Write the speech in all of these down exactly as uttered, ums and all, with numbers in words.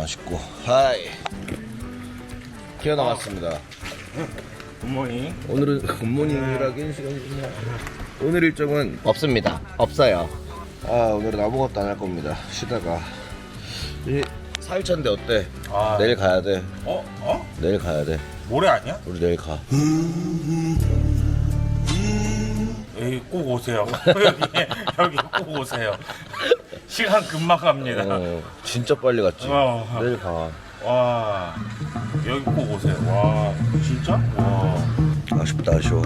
맛있고. 하이. 기어 나왔습니다. 굿모닝. 오늘은 굿모닝이라긴 시간이지만 오늘 일정은 없습니다. 없어요. 아 오늘은 아무것도 안 할 겁니다. 쉬다가 이 사 일차인데 어때? 아. 내일 가야 돼. 어? 어? 내일 가야 돼. 모레 아니야? 우리 내일 가. 에이, 꼭 오세요. 여기 여기 꼭 오세요. 시간 금방 갑니다. 어, 진짜 빨리 갔지. 어. 내일 가. 와, 여기 꼭 오세요. 와, 진짜? 와. 아쉽다 아쉬워.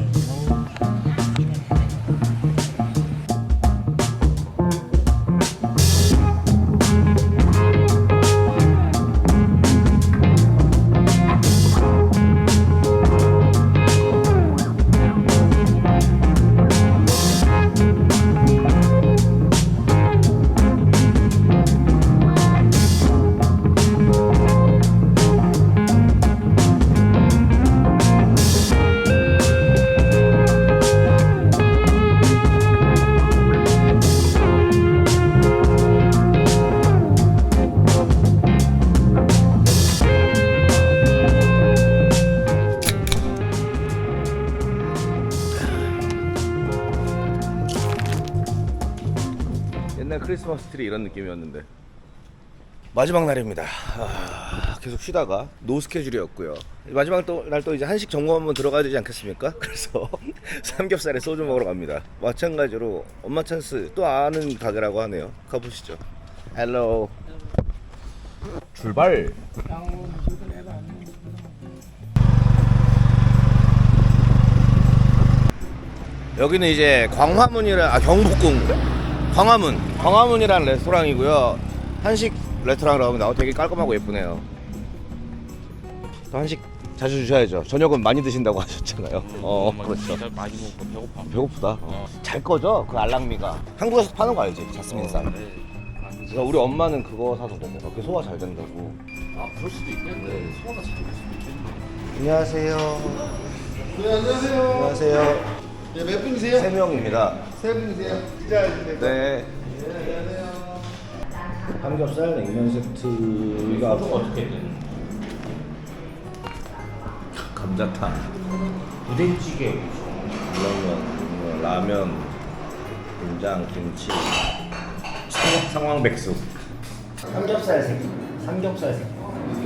옛날 크리스마스 트리 이런 느낌이었는데 마지막 날입니다. 아, 계속 쉬다가 노 스케줄이었고요. 마지막 날 또 이제 한식 점검 한번 들어가야 되지 않겠습니까? 그래서 삼겹살에 소주 먹으러 갑니다. 마찬가지로 엄마 찬스 또 아는 가게라고 하네요. 가보시죠. 헬로 출발. 여기는 이제 광화문이라 아 경복궁 광화문 광화문이라는 레스토랑이고요. 한식 레스토랑이라고 합니다. 어, 되게 깔끔하고 예쁘네요. 또 한식 자주 주셔야죠. 저녁은 많이 드신다고 하셨잖아요. 어, 그렇죠. 많이 먹고 배고파. 배고프다. 어. 잘 거죠? 그 알랑미가 한국에서 파는 거 알지? 자스민 쌀. 그러니까 우리 엄마는 그거 사서 먹어. 그게 소화 잘 된다고. 아, 그럴 수도 있겠네. 소화가 잘 될 수도 있겠네. 안녕하세요. 네, 안녕하세요. 안녕하세요. 네, 몇 분이세요? 세 명입니다. 세 분이세요. 기자님들. 네. 네, 안녕하세요. 삼겹살 냉면 세트가 소주가 어떻게 돼? 감자탕, 부대찌개. 라면, 라면, 된장, 김치, 상황, 상황백숙, 삼겹살 새끼, 삼겹살 새끼.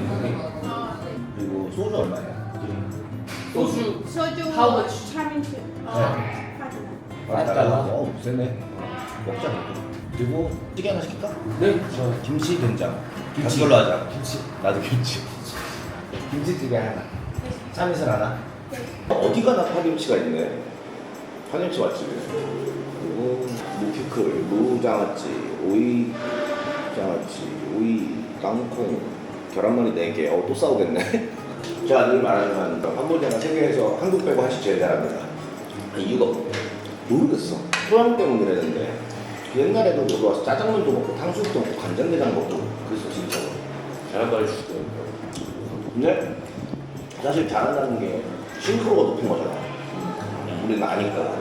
그리고 소주 얼마예요? 소주. 소주 How much? 차민트 어, 아, 달러? 어, 세네. 먹자. 그리고 찌개 하나 시킬까? 네. 김치, 된장. 김치 걸로 하자. 김치. 나도 김치. 김치찌개 하나. 참이슬 하나. 어디 가나 파김치가 있네. 파김치 맛집이네. 그리고 무피클, 무장아찌, 오이 장아찌, 오이, 땅콩, 계란말이 네 개. 어, 또 싸우겠네. 제가 늘 말하지만 한국이나 세계에서 한국 빼고 한식 제일 잘합니다. 이유가 모르겠어. 소양 때문에 그랬는데 옛날에도 여기 와서 짜장면도 먹고 탕수육도 먹고 간장게장 먹고 그랬어 진짜로. 잘한다 해주시고. 근데 사실 잘한다는 게 싱크로가 높은 거잖아. 우리는 아니까.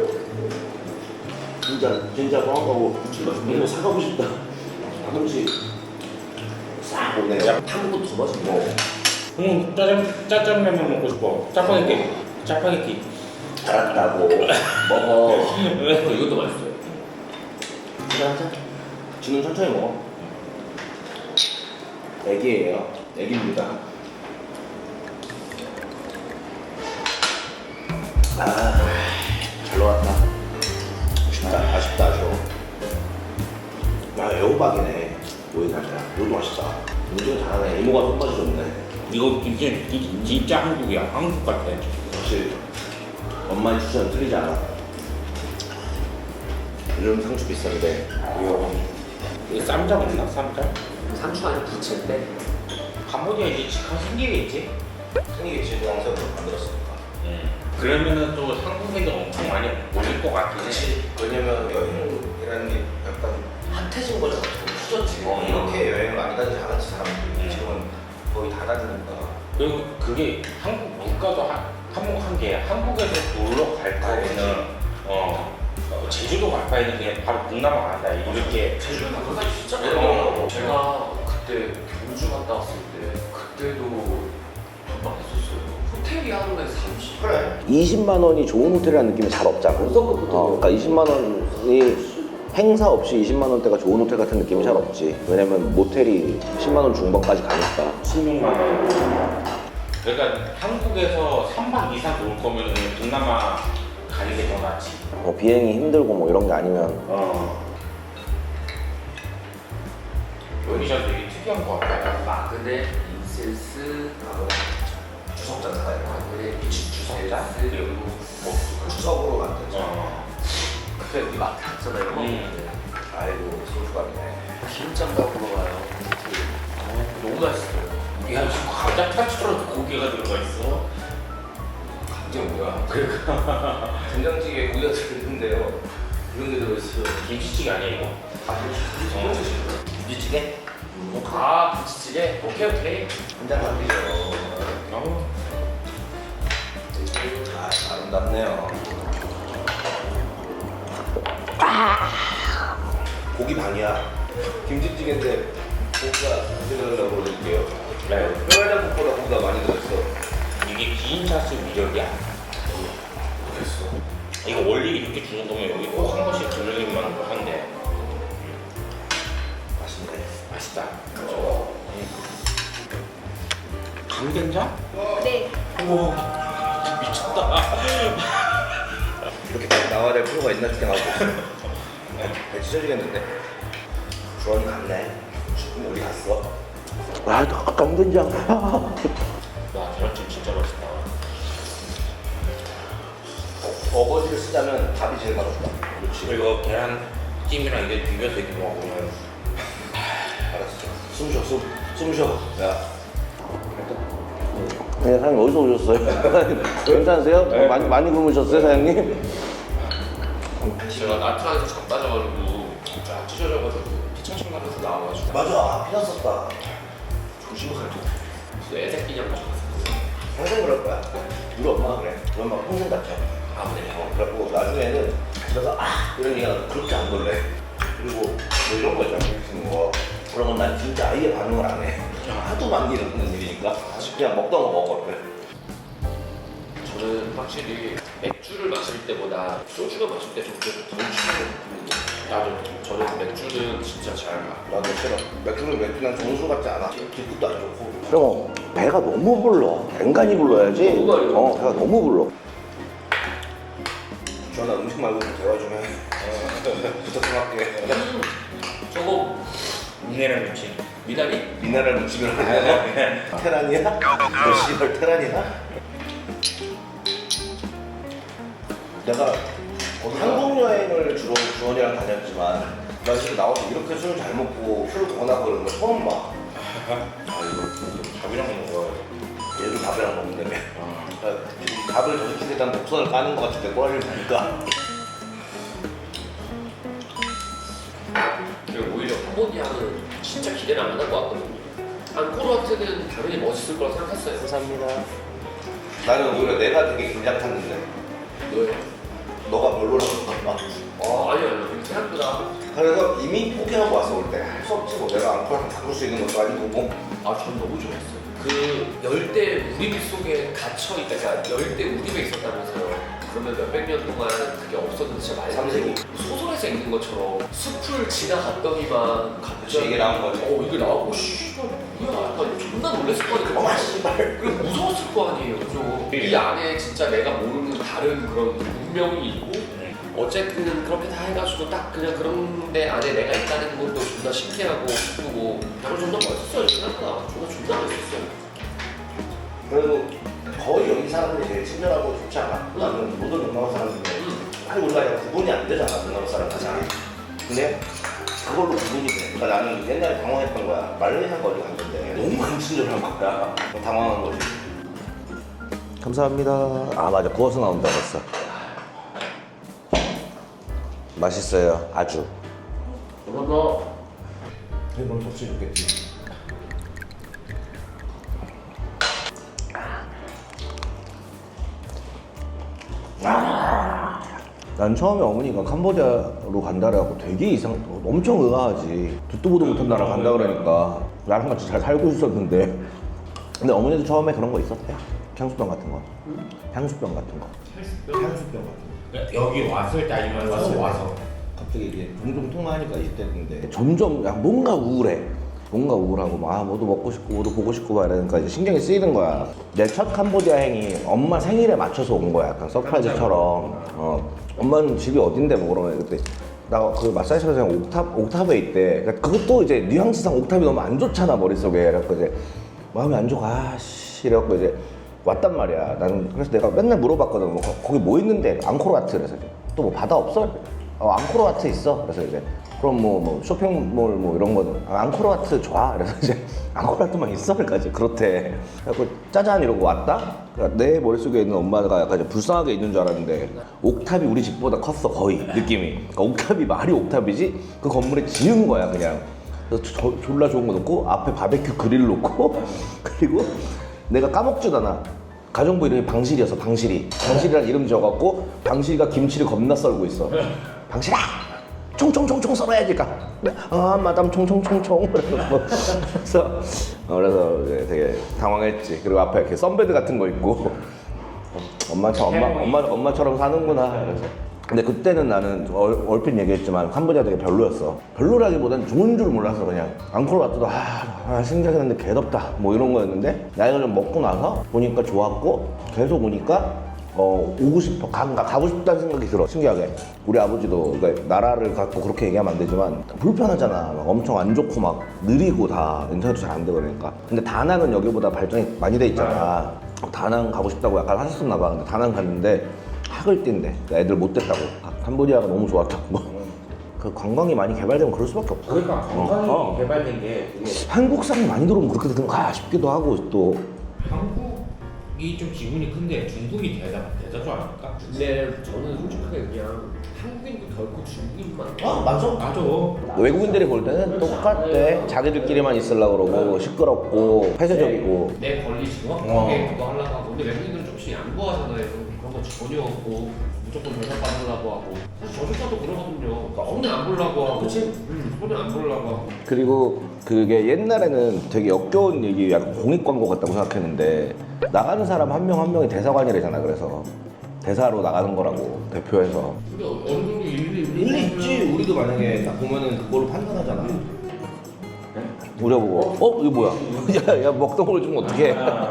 진짜 진짜 뻥하고 이런 거 사가고 싶다. 가끔씩 싹 오네. 한국도 더 맛있고. 응, 짜장 짜장라면 먹고 싶어. 짜파게티. 짜파게티. 잘한다고 먹어. 이것도 맛있어요. 그래 하자. 지금 천천히 먹어. 애기예요. 애기입니다. 아, 잘 나왔다. 아쉽다, 아쉽다, 아쉬워. 야, 애호박이네. 오이 살짝. 이것도 맛있다. 음식은 잘하네. 이모가 손맛이 좋네. 이거 진짜 진- 진짜 한국이야. 한국 같아. 역시 엄마의 추천 틀리지 않아. 요즘 상추 비싼데. 이거 이거 쌈장 없나? 쌈장? 상추 아니면 부채인데 캄보디아 이제 직항 생기겠지? 생기겠지. 영상으로 만들었으니까. 응. 그러면은 또 한국에도 엄청 많이 몰릴 것 같긴 해. 그치. 왜냐면 여행이라는 게 약간 핫해진 거잖아. 후졌지. 어, 이렇게 여행을 많이 다니지 않았지 사람들이. 음. 지금은 거의 다 다니니까. 그리고 그게 한국 물가도 한, 한국 게 한국에서 놀러 갈 바에는 어, 어 제주도 갈 바에는 그냥 바로 동남아 간다 이렇게. 제주도 그거 진짜 어. 제가 그때 경주 갔다 왔을 때 그때도 돈 많이 썼어요. 호텔이 하루에 삼십. 그래. 이십만 원이 좋은 호텔이라는 느낌이 잘 없잖아. 어, 그러니까 이십만 원이 행사 없이 이십만 원대가 좋은 호텔 같은 느낌이 잘 없지. 왜냐면 모텔이 십만 원 중반까지 가니까. 십육만 원. 그러니까 한국에서 삼 박 이상 놀 거면 동남아 가는 게 더 낫지. 뭐 비행이 힘들고 뭐 이런 게 아니면. 어. 여기가 되게 특이한 것 같아요. 마그넷, 인센스, 주석자잖아요. 마그넷, 주석자? 그리고 뭐 주석으로 만들죠. 어. 그때 우리 마트 갔잖아요. 음. 아이고 소주감이네. 기름장도 먹어봐요. 너무 맛있어요. 야, 지금 감자탕처럼 고기가 들어가 있어. 이게 뭐야? 그러니까 된장찌개에 고기가 들어있는데요. 이런 게 들어있어요. 김치찌개 아니야 이거? 어. 김치찌개? 아, 김치찌개? 오케이, 오케이. 한잔 만들죠. 어. 아, 아름답네요. 고기 반이야. 김치찌개인데 고기가 들어가려고 그러는데요. 네. 뼈해장국보다 고기가 많이 들어있어. 이게 비인차수 위력이야. 그랬어. 이거 원래 이렇게 주는 거면 여기 꼭 한 번씩 들리기만 한데 맛있네. 맛있다. 그렇죠. 강된장? 네. 오 미쳤다. 이렇게 딱 나와야 될 필요가 있나 싶게 나오고 있어. 배 찢어지겠는데. 주원이 갔네. 조금 어디 갔어? 아, 강된장. 야 계란찜 진짜 맛있다. 어거지를 쓰자면 밥이 제일 맛없다. 그렇지. 그리고 계란찜이랑 이게 비벼서 이렇게 먹으면 알았어. 숨 쉬어, 숨, 숨 쉬어. 야. 네, 사장님 어디서 오셨어요? 괜찮으세요? 네. 많이 많이 굶으셨어요, 사장님? 제가 나트랑에서 잠 빠져가지고 쫙 찢어져가지고 피청청 나면서 나와가지고 맞아, 피난 썼다. 조심하세요. 진짜 애새끼냐고. 평생 그럴 거야. 우리 엄마가 그래. 우리 엄마 평생 같아. 아, 그래? 어, 그래갖고 나중에는 집에서 아 이런 얘기가 그렇게 안 놀래. 그리고 뭐 이런 거 있잖아, 재밌는 거. 그런 건 난 진짜 아예 반응을 안 해. 하도 많이 일어나는 일이니까 그냥 먹던 거 먹어. 그래. 저는 확실히 맥주를 마실 때보다 소주가 마실 때 좀 그래도 덜 취하는 편이에요. 나도 저는 맥주는 진짜 잘 마. 나도 싫어. 맥주는 맥주 난 정수 같지 않아. 기분도 안 좋고. 형 배가 너무 불러. 앵간히 불러야지. 너무 많이 불러. 어, 배가 너무 불러. 주원아 음식 말고 좀 대화 좀 해. 부탁 좀 할게. 저거 미네랄 김치. 미나리? 미나랄 무침을 하냐? 테란이야? 너 씨발 테란이야? 내가 한국 여행을 주로 주원이랑 다녔지만 나 지금 나와서 이렇게 술 잘 먹고 술 권하고 그러는 거 처음 봐. 아 이거 밥이랑 먹어야 돼. 얘도 밥이랑 먹는다며. 아. 그러니까 지금 밥을 저쪽에 단 목선을 까는 것 같은데 꼬라리를 보니까. 그리고 오히려 캄보디아는 진짜 기대를 안 할 것 같거든요. 앙코르와트는 당연히 멋있을 거라 생각했어요. 감사합니다. 나는 오히려 내가 되게 긴장 탔는데 너요? 너가 별로라고 막. 아, 아니요, 아니요. 생각보다. 그래서 이미 포기하고 왔어 올 때. 할 수 없지 뭐 내가 앙코랑 바꿀 수 있는 것도 아니고 뭐. 아, 전 너무 좋았어요. 그 열대 우림 속에 갇혀 있다, 그러니까 열대 우림에 있었다면서요. 그러면 몇백 년 동안 그게 없었는데 진짜 말이 삼세기. 소설에서 읽는 것처럼 숲을 지나갔더니만 그치, 이게 나온 거지. 어, 이게 나오고 씨발 뭐야? 약간 존나 놀랬을 거 아니에요. 어 씨발. 그리고 무서웠을 거 아니에요, 그죠? 이 안에 진짜 내가 모르는 다른 그런 문명이 있고. 어쨌든 그렇게 다 해가지고 딱 그냥 그런 데 안에 내가 있다는 것도 존나 신기하고 기쁘고 그냥 존나 멋있었어요. 생각보다 존나 존나 멋있었어요. 그래도 거의 여기 사람들이 제일 친절하고 좋지 않아? 응. 나는 모든 동남아 사람인데 응. 사실 우리가 그냥 구분이 안 되잖아 동남아 사람들이. 근데 그걸로 구분이 돼. 그러니까 나는 옛날에 당황했던 거야. 말레이시아 거리 갔는데 너무 안 친절한 거야. 당황한 거지. 감사합니다. 아 맞아 구워서 나온다고 했어. 맛있어요 아주. 그러면 이건 좋지 좋겠지. 아. 난 처음에 어머니가 캄보디아로 간다 그래갖고 되게 이상, 엄청 의아하지. 듣도 보도 못한 나라 간다 그러니까 나랑 같이 잘 살고 있었는데. 근데 어머니도 처음에 그런 거 있었대. 향수병 같은 거. 향수병 같은 거. 향수병 같은 거. 여기 왔을 때 아니면 와서 와서 갑자기 이게 종종 통화하니까 이때인데 점점 야, 뭔가 우울해. 뭔가 우울하고 막 아, 뭐도 먹고 싶고 뭐도 보고 싶고 막 이러니까 이제 신경이 쓰이는 거야. 내 첫 캄보디아 행이 엄마 생일에 맞춰서 온 거야. 약간 서프라이즈처럼. 어, 엄마는 집이 어딘데 뭐 그러면 그때 나 그 마사지샵에서 그냥 옥탑, 옥탑에 있대. 그러니까 그것도 이제 뉘앙스상 옥탑이 너무 안 좋잖아 머릿속에. 그래갖고 이제 마음이 안 좋아. 아씨 이래갖고 이제 왔단 말이야. 나는 그래서 내가 맨날 물어봤거든. 뭐 거, 거기 뭐 있는데? 앙코르와트. 그래서 또 뭐 바다 없어? 어 앙코르와트 있어. 그래서 이제 그럼 뭐, 뭐 쇼핑몰 뭐 이런 거는 아, 앙코르와트 좋아. 그래서 이제 앙코르와트만 있어? 그러니까 이제 그렇대. 그래갖고 짜잔 이러고 왔다. 그러니까 내 머릿속에 있는 엄마가 약간 이제 불쌍하게 있는 줄 알았는데 옥탑이 우리 집보다 컸어 거의 느낌이. 그러니까 옥탑이 말이 옥탑이지 그 건물에 지은 거야 그냥. 그래서 저, 졸라 좋은 거 놓고 앞에 바베큐 그릴 놓고 그리고 내가 까먹지도 않아. 가정부 이름이 방실이었어. 방실이. 방실이라는 이름 지어갖고 방실이가 김치를 겁나 썰고 있어. 방실아! 총총총총 썰어야지. 그러니까 아 마담 총총총총. 그래서 어, 그래서 이제 되게 당황했지. 그리고 앞에 이렇게 선베드 같은 거 있고 엄마처럼 엄마 엄마 엄마처럼 사는구나. 그래서 근데 그때는 나는 얼, 얼핏 얘기했지만 캄보디아 되게 별로였어. 별로라기보단 좋은 줄 몰라서 그냥 앙코르와트도 아, 아 신기하긴 한데 개덥다 뭐 이런 거였는데 나이가 좀 먹고 나서 보니까 좋았고 계속 오니까 어 오고 싶어 가, 가고 싶다는 생각이 들어. 신기하게 우리 아버지도 그러니까 나라를 갖고 그렇게 얘기하면 안 되지만 불편하잖아. 막 엄청 안 좋고 막 느리고 다 인터넷도 잘 안 되고 그러니까. 근데 다낭은 여기보다 발전이 많이 돼 있잖아. 다낭 가고 싶다고 약간 하셨었나 봐. 근데 다낭 갔는데 학을 뛴대. 애들 못 됐다고. 아, 캄보디아가 너무 좋았다고. 그 관광이 많이 개발되면 그럴 수밖에 없어. 그러니까 관광이 어, 어. 개발된 게 되게 한국 사람이 많이 들어오면 그렇게 되는가 싶기도 하고 또. 한국이 좀 지분이 큰데 중국이 대다 대다수 아닙니까? 근데 저는 솔직하게 그냥 한국인도 결코 중국인만 아 맞아. 맞아. 외국인들이 볼 때는 똑같대. 자기들끼리만 있으려고 그러고 시끄럽고 폐쇄적이고. 내 권리 정확하게 그거 하려고 하고 근데 외국인들은 조금씩 양보하잖아요. 그런 거 전혀 없고 무조건 대접받으려고 하고 사실 저조차도 그러거든요. 그러니까 손해 안 보려고 하고 그치? 응, 손해 안 보려고 하고 그리고 그게 옛날에는 되게 역겨운 얘기, 약간 공익 광고 같다고 생각했는데 나가는 사람 한 명 한 명이 대사관이래잖아. 그래서 대사로 나가는 거라고 대표해서. 근데 어느 정도 일리 일리 있지. 우리도 만약에 딱 보면은 그걸로 판단하잖아. 우려보고 어? 이거 뭐야? 야, 야 먹던 걸 주면 어떡해.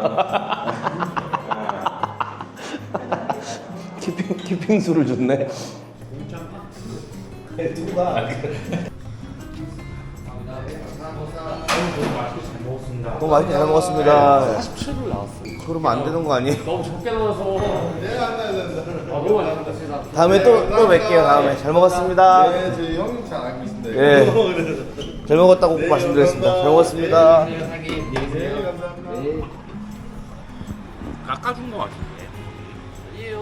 키핑, 키핑수를 줬네. 누가 너무 맛있게 잘 먹었습니다. 사십칠 불 나왔어요. 그러면 안 되는 거 아니에요? 너무 적게 나와서 내가 안 나야 된다. 아 너무 맛있다. 다음에 또, 또 뵐게요. 다음에 잘 먹었습니다. 네, 저희 형님 잘 알고 있습니다. 예. 잘 먹었다고 꼭 말씀드렸습니다. 잘 먹었습니다. 사기 안녕히 네, 계세요. 감사합니다. 깎아준 거 같은데. 아니에요.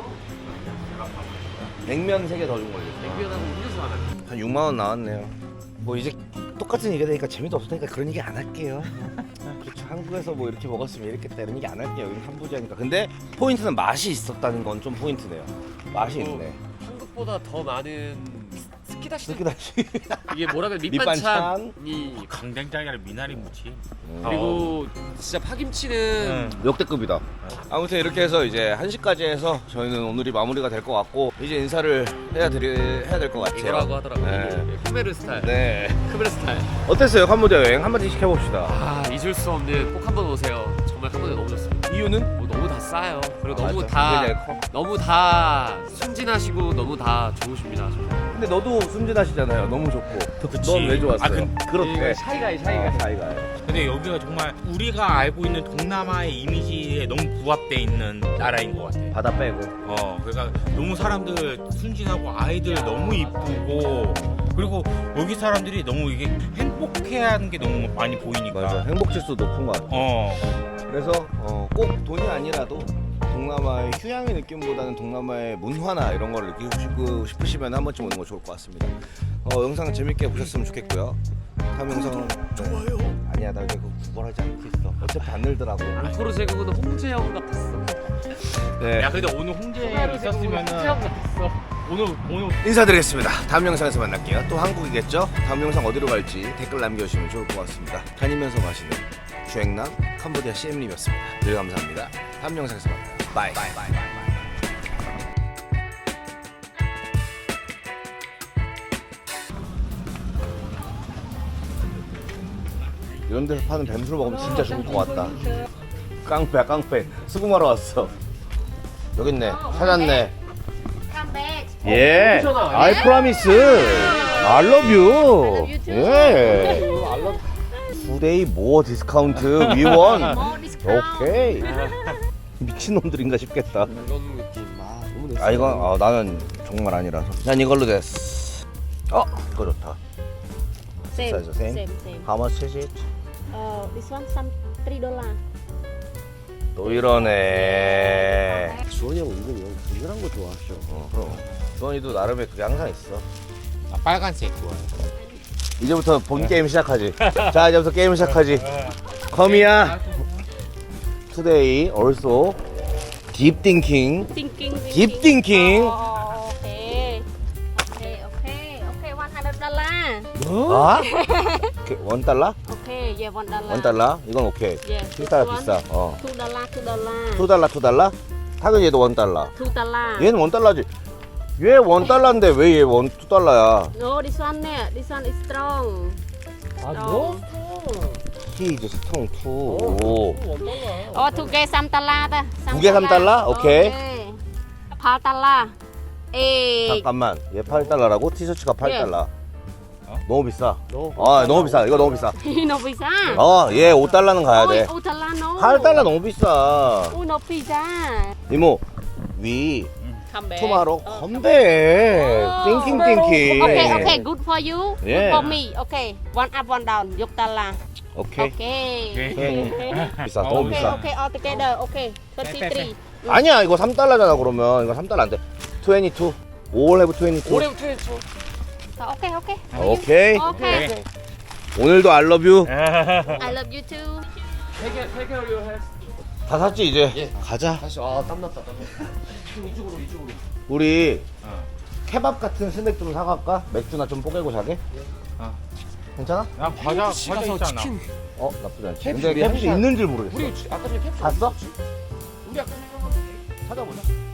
냉면 세 개 더 준 걸로. 냉면하고 음료수 하나. 한 육만 원 나왔네요. 뭐 이제 똑같은 얘기 되니까 재미도 없으니까 그런 얘기 안 할게요. 그렇죠. 한국에서 뭐 이렇게 먹었으면 이렇겠다 이런 얘기 안 할게요. 여기는 캄보디아니까. 근데 포인트는 맛이 있었다는 건 좀 포인트네요. 맛이 있네. 한국보다 더 많은 스키다시. 스키다시. 이게 뭐라면 밑반찬. 밑반찬이 강된장이 아니라 미나리 무침. 그리고 진짜 파김치는 역대급이다. 아무튼 이렇게 해서 이제 한 시까지 해서 저희는 오늘이 마무리가 될 것 같고 이제 인사를 해야 드리, 해야 될 것 같아요. 이거라고 하더라고요. 네. 크메르 스타일. 네. 크메르 스타일. 어땠어요 캄보디아 여행? 한마디씩 해봅시다. 아 잊을 수 없는 꼭 한번 오세요. 정말 캄보디아 너무 좋습니다. 이유는? 뭐 너무 다 싸요. 그리고 너무 맞아. 다 그게 제일 커. 너무 다 순진하시고 너무 다 좋으십니다. 근데 너도 순진하시잖아요. 너무 좋고. 그치. 넌 왜 좋았어요? 아, 근- 그렇대. 샤이가이 아, 차이가요. 근데 여기가 정말 우리가 알고 있는 동남아의 이미지에 너무 부합돼 있는 나라인 것 같아. 바다 빼고. 어, 그러니까 너무 사람들 순진하고 아이들 너무 이쁘고 그리고 여기 사람들이 너무 이게 행복해하는 게 너무 많이 보이니까. 맞아. 행복 지수 높은 것 같아. 어, 그래서 어, 꼭 돈이 아니라도 동남아의 휴양의 느낌보다는 동남아의 문화나 이런 걸 느끼고 싶고 싶으시면 한 번쯤 오는 거 좋을 것 같습니다. 어, 영상 재밌게 보셨으면 좋겠고요. 다음 영상은 좋아요. 아니야, 나 이제 그거 구걸하지 않겠어. 어차피 안 늘더라고. 앙코르 제국은 홍제 형 같았어. 네. 야 근데 오늘 홍제 홍제 형 있었으면은 같았어. 오늘 오늘 인사드리겠습니다. 다음 영상에서 만날게요. 또 한국이겠죠? 다음 영상 어디로 갈지 댓글 남겨주시면 좋을 것 같습니다. 다니면서 마시는 주행남 캄보디아 씨엠님이었습니다. 늘 감사합니다. 다음 영상에서 만나요. 바이. 바이. 바이. 바이. 이런 데서 파는 뱀술 먹으면 진짜 좋을 것 같다. 깡패야 깡패. 수금하러 왔어. 여기 있네. 찾았네. 예. I promise. I love you. 예. Today more discount. We won. 오케이. 미친놈들인가 싶겠다. 이런 느낌. 아 너무 됐어. 아 이건 아, 나는 정말 아니라서. 난 이걸로 됐어. 어 이거 좋다. Same, Size the same? same, same. How much is it? Uh, this one some three dollar. 또 이러네. 주원이 형 은근히 형 분열한 거 좋아하셔. 어 그럼. 주원이도 나름의 그게 항상 있어. 아, 빨간색 좋아요. 이제부터 본 게임 시작하지. 자 이제부터 게임 시작하지. 컴이야. Today also deep thinking. Thinking, Deep thinking. Oh, okay. Okay, okay, okay. One hundred dollar. 아? 원 달러? Okay, yeah, one dollar. 원 달러? 이건 오케이. Yeah. 일 달러 this 비싸. one, 어. Two dollar, two dollar. 투 달러 투 달러? 당연히 얘도 원 달러. Two dollar. 얘는 원 달러지. 얘 원 달러인데 왜 얘 원 투 달러야? No, this one, yeah, this one is strong. 아 Strong. He is strong too. 오. Oh, two 개 삼 달러 다. 두 개 삼 달러? 오케이. 팔 달러. 에. 잠깐만. 얘 팔 달러라고? 티셔츠가 팔 달러. 어? 너무 비싸. 너. 아, 너무 비싸. 이거 너무 비싸. nó 비싸. 어, 얘 오 달러는 가야 돼. 오 달러 no. 팔 달러 너무 비싸. 오, nó 비싸. 이모, 위 Come back. 투마로 어, 컴백. 띵킹 띵킹. Okay, okay, good for you. Yeah. Good for me. Okay, one up, one down. 육 달러. 오케이. Okay. 오케이. 비싸. 어, 너무 Okay, 비싸. okay, all together. Okay, thirty-three. 아니야, 이거 삼 달러잖아. 그러면 이거 삼 달러 안 돼. 이십이. All have 이십이. 올해부터 했어. Okay, okay. 오케이. Okay. 오늘도 I love you. I love you too. 세개 세개 올려 해. 다 샀지 이제. 예. 가자. 다시 아 땀났다 땀났다. 이쪽으로 이쪽으로. 우리 어. 케밥 같은 스낵 좀 사갈까? 맥주나 좀 뽀개고 자게? 어. 괜찮아? 야 과자 과자 있잖아. 어 나쁘지 않지. 캡슐 근데 우리 캡슐 한 있는 줄 모르겠어. 우리 아까 전에 캡슐 봤어? 우리 아까 찾아보자.